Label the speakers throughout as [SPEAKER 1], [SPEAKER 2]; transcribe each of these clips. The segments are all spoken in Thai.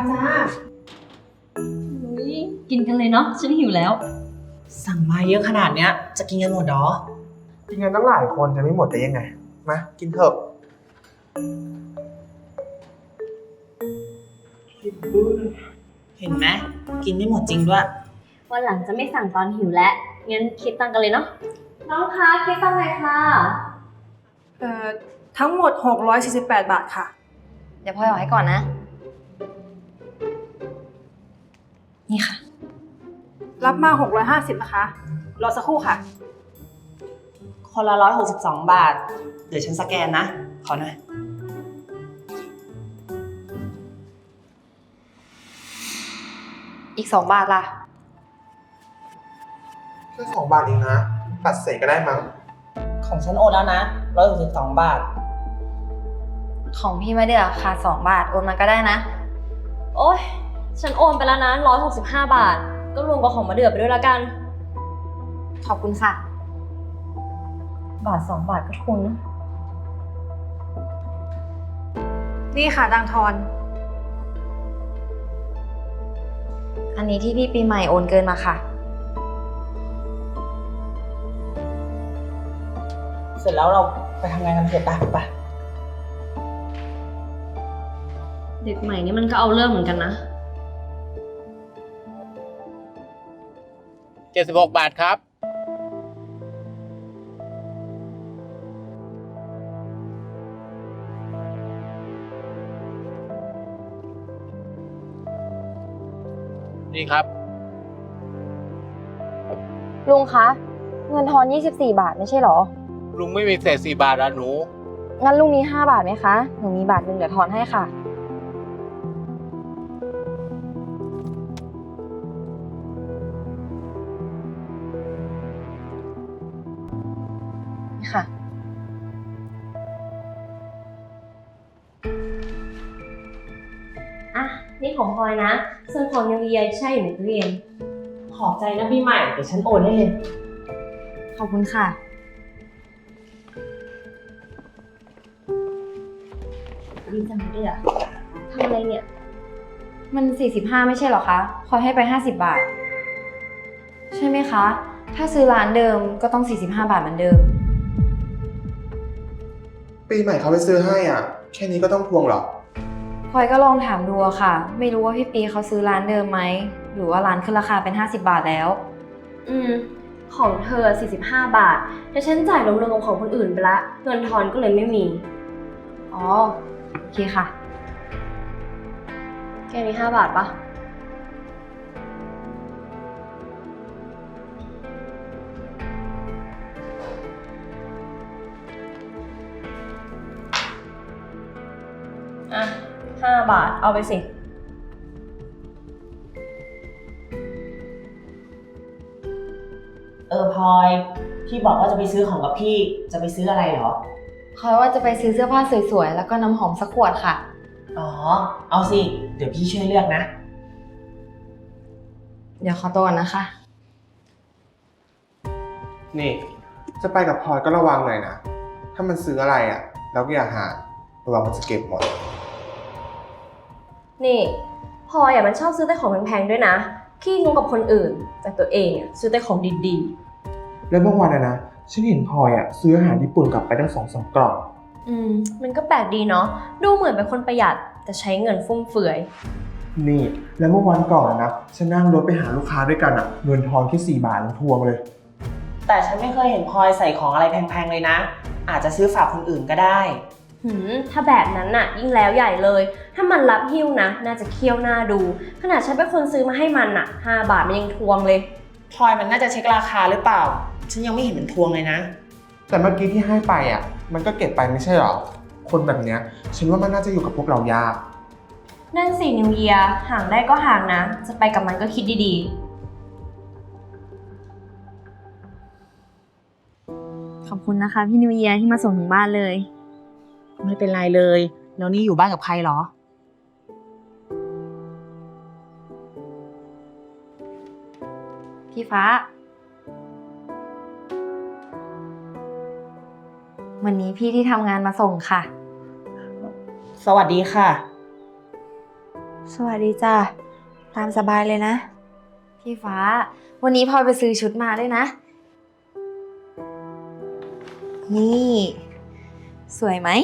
[SPEAKER 1] จ้า
[SPEAKER 2] กินกันเลยเนาะฉันหิวแล้ว
[SPEAKER 3] สั่งมาเยอะขนาดเนี้ยจะกินกันหมดเหรอ
[SPEAKER 1] กินกันตั้งหลายคนจะไม่หมดได้ยังไงมากินเถอะ
[SPEAKER 3] เห็นไหมกินไม่หมดจริงด้วย
[SPEAKER 2] วันหลังจะไม่สั่งตอนหิวแล้วงั้นคิดตังค์กันเลยเนาะน้องคะคิดตังค์หน่อยค่ะ
[SPEAKER 4] ทั้งหมด648 บาทค่ะ
[SPEAKER 2] เดี๋ยวพลอยเอาให้ก่อนนะนี่ค่ะ
[SPEAKER 4] รับมา650นะคะรอสักครู่ค่ะ
[SPEAKER 3] คนละ162 บาทเดี๋ยวฉันสแกนนะขอหน่อย
[SPEAKER 2] อีก2 บาทล่ะ
[SPEAKER 1] แค่2 บาทเองนะตัดเศษก็ได้มั้ง
[SPEAKER 3] ของฉันโอนแล้วนะ162 บาท
[SPEAKER 2] ของพี่ไม่ได้ราคา2 บาทโอนมาก็ได้นะโอ๊ยฉันโอนไปแล้วนะ165 บาทก็รวมกับของมาเดือไปด้วยละกันขอบคุณค่ะ1 บาท 2 บาทก็ทุนนะ
[SPEAKER 4] นี่ค่ะดังทอน
[SPEAKER 2] อันนี้ที่พี่ปีใหม่โอนเกินมาค่ะ
[SPEAKER 3] เสร็จแล้วเราไปทำงานกันเถอะไป
[SPEAKER 2] เด็กใหม่นี่มันก็เอาเรื่องเหมือนกันนะ
[SPEAKER 5] 76 บาทครับนี่ครับ
[SPEAKER 2] ลุงคะเงินทอน24 บาทไม่ใช่หรอ
[SPEAKER 5] ลุงไม่มีเศษ4 บาทอ่ะหนู
[SPEAKER 2] งั้นลุงมี5 บาทไหมคะหนูมี1 บาทเดี๋ยวทอนให้ค่ะนี่ค่ะอ่ะนี่ของพลอยนะส่วนของนิวเยียร์ใช่อยู่ในตู้เย็น
[SPEAKER 3] ขอบใจนะพี่ใหม่เดี๋ยวฉันโอนให้เลย
[SPEAKER 2] ขอบคุณค่ะดีจังเลยอะทำอะไรเนี่ยมัน45ไม่ใช่หรอคะพลอยให้ไป50 บาทใช่ไหมคะถ้าซื้อร้านเดิมก็ต้อง45 บาทเหมือนเดิม
[SPEAKER 1] ปีใหม่เขาไปซื้อให้อ่ะแค่นี้ก็ต้องทวงเหรอ
[SPEAKER 2] พลอยก็ลองถามดูค่ะไม่รู้ว่าพี่ปีเขาซื้อร้านเดิมไหมหรือว่าร้านขึ้นราคาเป็น50 บาทแล้วของเธอ45 บาทแต่ฉันจ่ายรวมๆกับของคนอื่นไปละเงินทอนก็เลยไม่มีอ๋อโอเคค่ะแค่นี้5 บาทปะอ่ะ5 บาทเอาไปสิ
[SPEAKER 3] พลอยพี่บอกว่าจะไปซื้อของกับพี่จะไปซื้ออะไรเหรอ
[SPEAKER 2] พลอยว่าจะไปซื้อเสื้อผ้าสวยๆแล้วก็น้ำหอมสักขวดค่ะ
[SPEAKER 3] อ๋อเอาสิเดี๋ยวพี่ช่วยเลือกนะ
[SPEAKER 2] เดี๋ยวขอตัวก่อนนะคะ
[SPEAKER 1] นี่จะไปกับพลอยก็ระวังหน่อยนะถ้ามันซื้ออะไรอ่ะแล้วก็อย่าหาระวังมันจะเก็บหมด
[SPEAKER 2] นี่พลอยมันชอบซื้อแต่ของแพงๆด้วยนะขี้งกกับคนอื่นแต่ตัวเองซื้อแต่ของดีๆ
[SPEAKER 1] แล้วบางวันนะฉันเห็นพลอยซื้ออาหารญี่ปุ่นกลับไปตั้ง2-3 กล่อง
[SPEAKER 2] มันก็แปลกดีเนาะดูเหมือนเป็นคนประหยัดแต่ใช้เงินฟุ่มเฟือย
[SPEAKER 1] นี่แล้วเมื่อวันก่อนนะฉันนั่งรถไปหาลูกค้าด้วยกันเงินทอนแค่4 บาทยังทวงเลย
[SPEAKER 3] แต่ฉันไม่เคยเห็นพลอยใส่ของอะไรแพงๆเลยนะอาจจะซื้อฝากคนอื่นก็ได้
[SPEAKER 2] ถ้าแบบนั้นน่ะยิ่งแล้วใหญ่เลยถ้ามันรับหิ้วนะน่าจะเคี่ยวหน้าดูขนาดฉันเป็นคนซื้อมาให้มัน5 บาทมันยังทวงเลย
[SPEAKER 3] พลอยมันน่าจะเช็คราคาหรือเปล่าฉันยังไม่เห็นมันทวงเลยนะ
[SPEAKER 1] แต่เมื่อกี้ที่ให้ไปมันก็เก็บไปไม่ใช่หรอคนแบบเนี้ยฉันว่ามันน่าจะอยู่กับพวกเรายาก
[SPEAKER 2] นั่นสินิวเยียร์ห่างได้ก็ห่างนะจะไปกับมันก็คิดดีๆขอบคุณนะคะพี่นิวเยียร์ที่มาส่งถึงบ้านเลย
[SPEAKER 3] ไม่เป็นไรเลยแล้วนี่อยู่บ้านกับใครเหรอ
[SPEAKER 2] พี่ฟ้าวันนี้พี่ที่ทำงานมาส่งค่ะ
[SPEAKER 3] สวัสดีค่ะ
[SPEAKER 6] สวัสดีจ้ะ ตามสบายเลยนะ
[SPEAKER 2] พี่ฟ้า วันนี้พลอยไปซื้อชุดมาด้วยนะ นี่ สวยไหม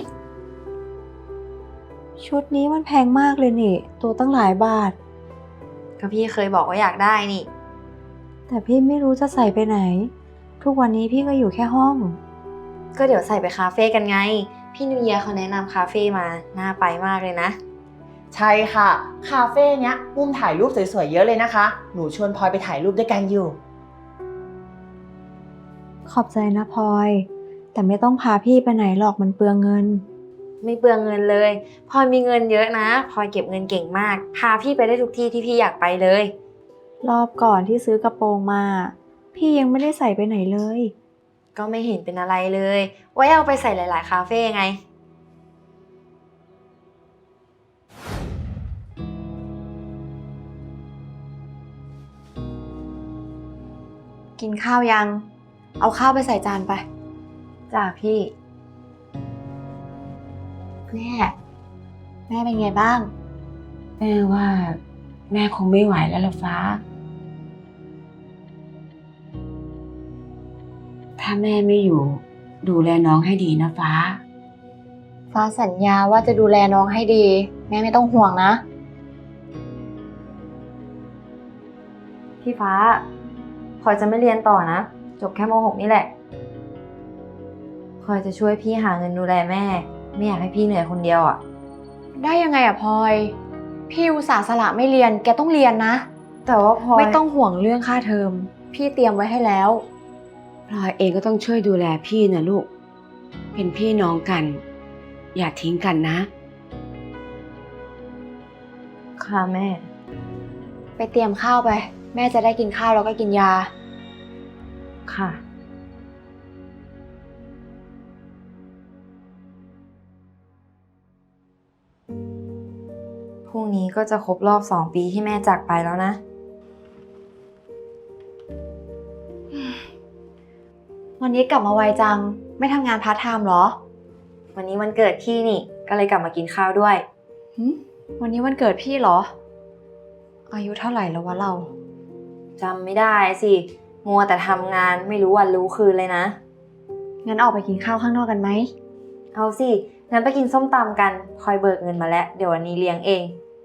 [SPEAKER 6] ชุดนี้มันแพงมากเลยนี่ ตัวตั้งหลายบาท
[SPEAKER 2] ก็พี่เคยบอกว่าอยากได้นี่
[SPEAKER 6] แต่พี่ไม่รู้จะใส่ไปไหน ทุกวันนี้พี่ก็อยู่แค่ห้อง
[SPEAKER 2] ก็เดี๋ยวใส่ไปคาเฟ่กันไง พี่นิวเยียร์เขาแนะนำคาเฟ่มา น่าไปมากเลยนะ
[SPEAKER 3] ใช่ค่ะ คาเฟ่เนี้ยมุมถ่ายรูปสวยๆเยอะเลยนะคะ หนูชวนพลอยไปถ่ายรูปด้วยกันอยู่
[SPEAKER 6] ขอบใจนะพลอย แต่ไม่ต้องพาพี่ไปไหนหรอกมันเปลืองเงิน
[SPEAKER 2] ไม่เปลืองเงินเลยพลอยมีเงินเยอะนะพลอยเก็บเงินเก่งมาก พาพี่ไปได้ทุกที่ที่พี่อยากไปเลย
[SPEAKER 6] รอบก่อนที่ซื้อกระโปรงมา พี่ยังไม่ได้ใส่ไปไหนเลย
[SPEAKER 2] ก็ไม่เห็นเป็นอะไรเลย ไว้เอาไปใส่หลายๆคาเฟ่ไง
[SPEAKER 6] กินข้าวยัง เอาข้าวไปใส่จานไป
[SPEAKER 2] จ้าพี่
[SPEAKER 6] แม่เป็นไงบ้าง
[SPEAKER 7] แม่ว่าแม่คงไม่ไหวแล้วล่ะฟ้า ถ้าแม่ไม่อยู่ดูแลน้องให้ดีนะฟ้า
[SPEAKER 6] ฟ้าสัญญาว่าจะดูแลน้องให้ดี แม่ไม่ต้องห่วงนะ
[SPEAKER 2] พี่ฟ้าพลอยจะไม่เรียนต่อนะ จบแค่ม .6 นี่แหละพลอยจะช่วยพี่หาเงินดูแลแม่ ไม่อยากให้พี่เหนื่อยคนเดียวอ่ะ
[SPEAKER 6] ได้ยังไงอะพลอย พี่อุตส่าห์สละไม่เรียน แกต้องเรียนนะ
[SPEAKER 2] แต่ว่าพลอย
[SPEAKER 6] ไม่ต้องห่วงเรื่องค่าเทอม พี่เตรียมไว้ให้แล้ว
[SPEAKER 7] พลอยเองก็ต้องช่วยดูแลพี่นะลูก เป็นพี่น้องกัน อย่าทิ้งกันนะ
[SPEAKER 2] ค่ะแม่
[SPEAKER 6] ไปเตรียมข้าวไป แม่จะได้กินข้าวแล้วก็กินยา
[SPEAKER 2] ค่ะ พรุ่งนี้ก็จะครบรอบ2 ปีที่แม่จากไปแล้วนะ
[SPEAKER 6] วันนี้กลับมาไวจัง ไม่ทำงานพาร์ทไทม์เหรอ
[SPEAKER 2] วันนี้วันเกิดพี่นี่ ก็เลยกลับมากินข้าวด้วย
[SPEAKER 6] วันนี้วันเกิดพี่เหรอ อายุเท่าไหร่แล้ววะเรา
[SPEAKER 2] จำไม่ได้สิ มัวแต่ทำงานไม่รู้วันรู้คืนเลยนะ
[SPEAKER 6] งั้นออกไปกินข้าวข้างนอกกันไหม
[SPEAKER 2] เอาสิ งั้นไปกินส้มตำกันพลอยเบิกเงินมาแล้ว เดี๋ยววันนี้เลี้ยงเอง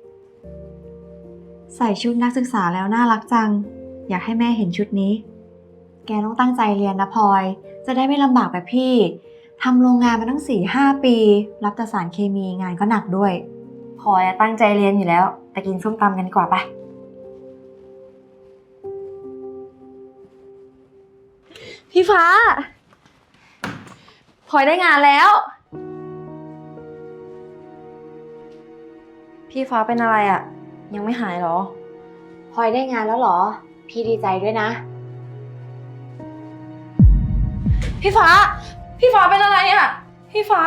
[SPEAKER 6] ใส่ชุดนักศึกษาแล้วน่ารักจัง อยากให้แม่เห็นชุดนี้ แกต้องตั้งใจเรียนนะพลอย จะได้ไม่ลำบากแบบพี่ ทำโรงงานมาตั้ง 4-5 ปี รับแต่สารเคมีงานก็หนักด้วย
[SPEAKER 2] พลอยตั้งใจเรียนอยู่แล้ว แต่กินส้มตำกันดีกว่าปะพี่ฟ้าพลอยได้งานแล้ว พี่ฟ้าเป็นอะไรอะยังไม่หายเหรอ
[SPEAKER 6] พลอยได้งานแล้วเหรอ พี่ดีใจด้วยนะ
[SPEAKER 2] พี่ฟ้าเป็นอะไรอะพี่ฟ้า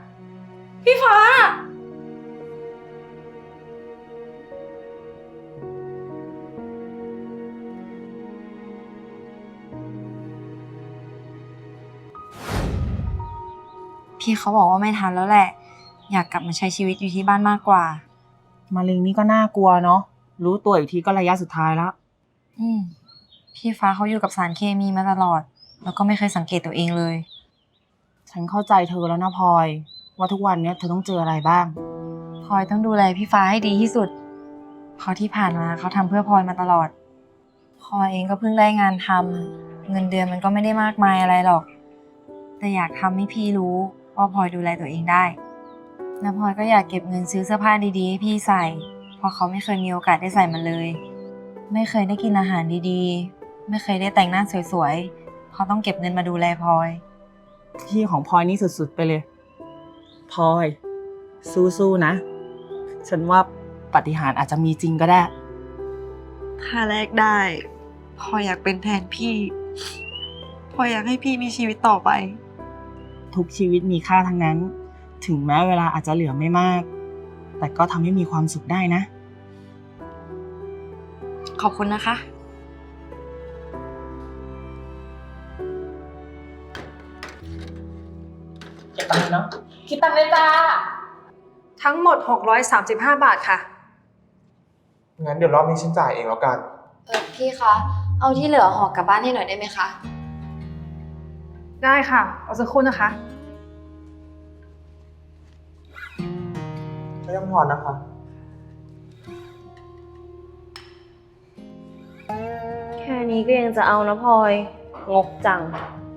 [SPEAKER 2] พี่เขาบอกว่าไม่ทันแล้วแหละ อยากกลับมาใช้ชีวิตอยู่ที่บ้านมากกว่า
[SPEAKER 3] มะเร็งนี่ก็น่ากลัวเนาะ รู้ตัวอีกทีก็ระยะสุดท้ายแล้ว
[SPEAKER 2] พี่ฟ้าเขาอยู่กับสารเคมีมาตลอด แล้วก็ไม่เคยสังเกตตัวเองเลย
[SPEAKER 3] ฉันเข้าใจเธอแล้วนะพลอย ว่าทุกวันเนี้ยเธอต้องเจออะไรบ้าง
[SPEAKER 2] พลอยต้องดูแลพี่ฟ้าให้ดีที่สุด เพราะที่ผ่านมาเขาทำเพื่อพลอยมาตลอด พลอยเองก็เพิ่งได้งานทำเงินเดือนมันก็ไม่ได้มากมายอะไรหรอก แต่อยากทำให้พี่รู้ว่าพลอยดูแลตัวเองได้ แล้วพลอยก็อยากเก็บเงินซื้อเสื้อผ้าดีๆให้พี่ใส่ เพราะเขาไม่เคยมีโอกาสได้ใส่มันเลย ไม่เคยได้กินอาหารดีๆ ไม่เคยได้แต่งหน้าสวยๆเขาต้องเก็บเงินมาดูแลพลอย
[SPEAKER 3] พี่ของพลอยนี่สุดๆไปเลย พลอย สู้ๆนะ ฉันว่าปาฏิหาริย์อาจจะมีจริงก็ได้
[SPEAKER 6] ถ้าแลกได้พลอยอยากเป็นแทนพี่พลอยอยากให้พี่มีชีวิตต่อไป
[SPEAKER 3] ทุกชีวิตมีค่าทั้งนั้น ถึงแม้เวลาอาจจะเหลือไม่มาก แต่ก็ทำให้มีความสุขได้นะ
[SPEAKER 2] ขอบคุณนะคะ
[SPEAKER 3] เก็บตังค์เนาะคิดตังค์เลยจ้า
[SPEAKER 4] ทั้งหมด635 บาทค่ะ
[SPEAKER 1] งั้นเดี๋ยวรอบนี้ฉันจ่ายเองแล้วกัน
[SPEAKER 2] พี่คะ เอาที่เหลือห่อกลับบ้านให้หน่อยได้ไหมคะ
[SPEAKER 4] ได้ค่ะ เอาสักครู่นะคะ
[SPEAKER 1] ไม่ต้องทอนนะคะ
[SPEAKER 2] แค่นี้ก็ยังจะเอานะพลอย งกจัง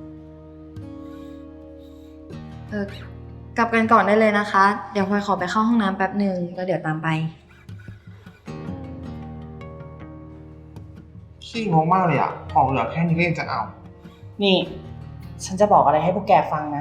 [SPEAKER 2] กลับกันก่อนได้เลยนะคะ เดี๋ยวพลอยขอไปเข้าห้องน้ำแป๊บหนึ่งแล้วเดี๋ยวตามไป
[SPEAKER 1] ขี้งงมากเลยอะของเหลือแค่นี้ก็ยังจะเอา
[SPEAKER 3] นี่ ฉันจะบอกอะไรให้พวกแกฟังนะ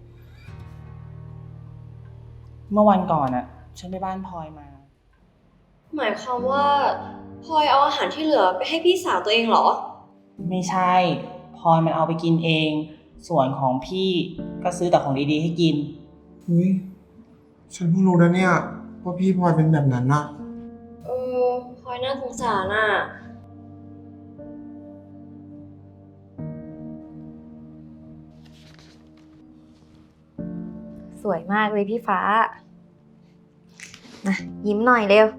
[SPEAKER 3] เมื่อวันก่อนอะฉันไปบ้านพลอยมา
[SPEAKER 2] หมายความว่าพลอยเอาอาหารที่เหลือไปให้พี่สาวตัวเองเหรอ
[SPEAKER 3] ไม่ใช่พลอยมันเอาไปกินเอง ส่วนของพี่ก็ซื้อแต่ของดีๆให้กิน
[SPEAKER 1] เฮ้ย ฉันเพิ่งรู้นะเนี่ยว่าพี่พลอยเป็นแบบนั้นนะ
[SPEAKER 2] พลอยน่าสงสารอ่ะ สวยมากเลยพี่ฟ้านะยิ้มหน่อยเร็ว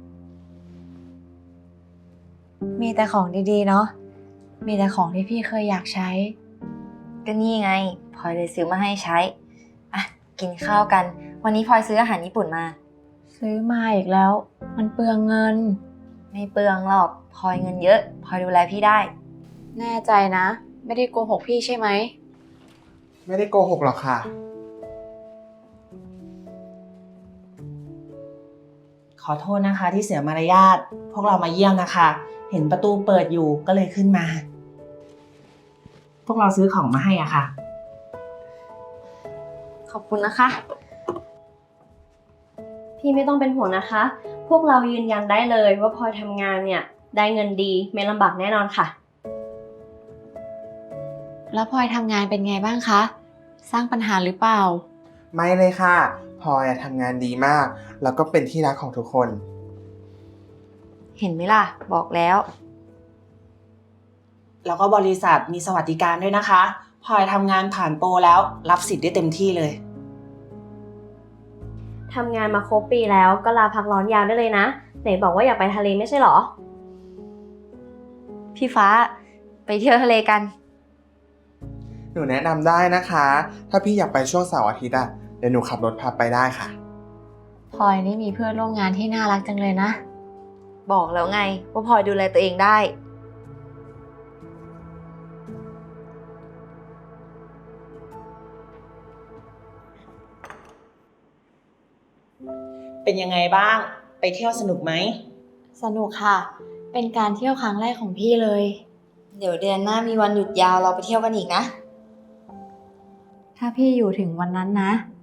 [SPEAKER 6] มีแต่ของดีๆเนาะ มีแต่ของที่พี่เคยอยากใช้
[SPEAKER 2] ก็นี่ไงพลอยเลยซื้อมาให้ใช้ อ่ะ กินข้าวกัน วันนี้พลอยซื้ออาหารญี่ปุ่นมา
[SPEAKER 6] ซื้อมาอีกแล้ว มันเปลืองเงิน
[SPEAKER 2] ไม่เปลืองหรอกพลอยเงินเยอะพลอยดูแลพี่ได้
[SPEAKER 6] แน่ใจนะ ไม่ได้โกหกพี่ใช่ไหม
[SPEAKER 1] ไม่ได้โกหกหรอกค่ะ
[SPEAKER 3] ขอโทษนะคะที่เสียมารยาท พวกเรามาเยี่ยมนะคะ เห็นประตูเปิดอยู่ก็เลยขึ้นมา พวกเราซื้อของมาให้อ่ะค่ะ
[SPEAKER 2] ขอบคุณนะคะ พี่ไม่ต้องเป็นห่วงนะคะ พวกเรายืนยันได้เลยว่าพลอยทำงานเนี่ยได้เงินดีไม่ลำบากแน่นอนค่ะ
[SPEAKER 6] แล้วพลอยทำงานเป็นไงบ้างคะ สร้างปัญหาหรือเปล่า
[SPEAKER 1] ไม่เลยค่ะพลอยอะทำงานดีมาก แล้วก็เป็นที่รักของทุกคน
[SPEAKER 2] เห็นไหมล่ะ บอกแล้ว
[SPEAKER 3] แล้วก็บริษัทมีสวัสดิการด้วยนะคะพลอยทำงานผ่านโปรแล้วรับสิทธิ์ได้เต็มที่เลย
[SPEAKER 2] ทำงานมาครบปีแล้วก็ลาพักร้อนยาวได้เลยนะ ไหนบอกว่าอยากไปทะเลไม่ใช่เหรอ พี่ฟ้าไปเที่ยวทะเลกัน
[SPEAKER 1] หนูแนะนำได้นะคะ ถ้าพี่อยากไปช่วงเสาร์อาทิตย์อะเดี๋ยวหนูขับรถพาไปได้ค่ะ
[SPEAKER 6] พลอยนี่มีเพื่อนร่วมงานที่น่ารักจังเลยนะ
[SPEAKER 2] บอกแล้วไงว่าพลอยดูแลตัวเองได้
[SPEAKER 3] เป็นยังไงบ้าง ไปเที่ยวสนุกไหม
[SPEAKER 6] สนุกค่ะ เป็นการเที่ยวครั้งแรกของพี่เลย
[SPEAKER 2] เดี๋ยวเดือนหน้ามีวันหยุดยาวเราไปเที่ยวกันอีกนะ
[SPEAKER 6] ถ้าพี่อยู่ถึงวันนั้นนะ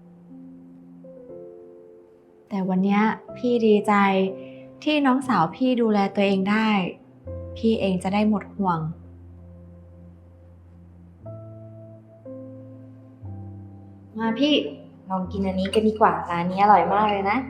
[SPEAKER 6] แต่วันเนี้ยพี่ดีใจที่น้องสาวพี่ดูแลตัวเองได้ พี่เองจะได้หมดห่วง
[SPEAKER 2] มาพี่ลองกินอันนี้กันดีกว่าร้านนี้อร่อยมากเลยนะ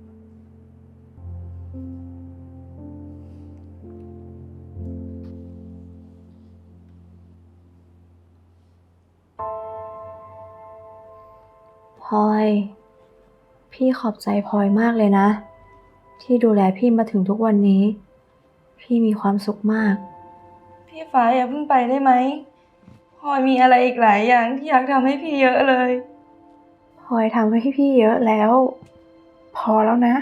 [SPEAKER 6] พลอย พี่ขอบใจพลอยมากเลยนะ ที่ดูแลพี่มาถึงทุกวันนี้ พี่มีความสุขมาก
[SPEAKER 8] พี่ฟ้าอย่าเพิ่งไปได้ไหมพลอยมีอะไรอีกหลายอย่างที่อยากทำให้พี่เยอะเลย
[SPEAKER 6] พลอยทำให้พี่เยอะแล้ว พอแล้วนะ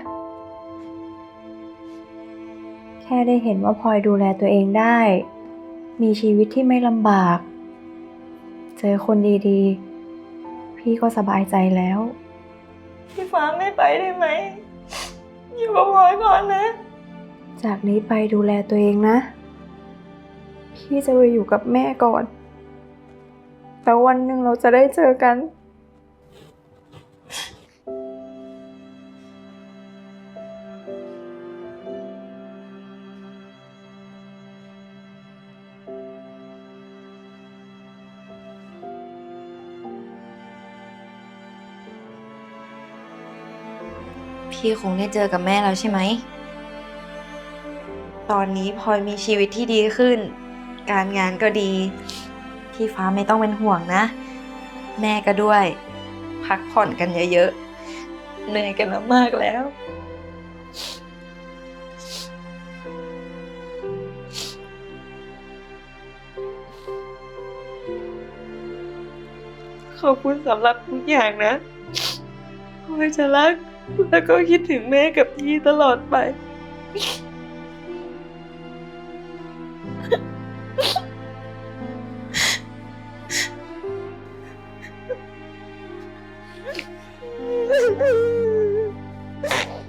[SPEAKER 6] แค่ได้เห็นว่าพลอยดูแลตัวเองได้ มีชีวิตที่ไม่ลำบาก เจอคนดีๆ พี่ก็สบายใจแล้ว
[SPEAKER 8] พี่ฟ้าไม่ไปได้ไหมอยู่กับพลอยก่อนนะ
[SPEAKER 6] จากนี้ไปดูแลตัวเองนะ พี่จะไปอยู่กับแม่ก่อน แล้ววันหนึ่งเราจะได้เจอกัน
[SPEAKER 2] พี่คงได้เจอกับแม่แล้วใช่ไหม ตอนนี้พลอยมีชีวิตที่ดีขึ้น การงานก็ดี พี่ฟ้าไม่ต้องเป็นห่วงนะ แม่ก็ด้วย พักผ่อนกันเยอะๆ เหนื่อยกันมามากแล้ว
[SPEAKER 8] ขอบคุณสำหรับทุกอย่างนะพลอยจะรักแล้วก็คิดถึงแม่กับพี่ตลอดไป
[SPEAKER 1] พ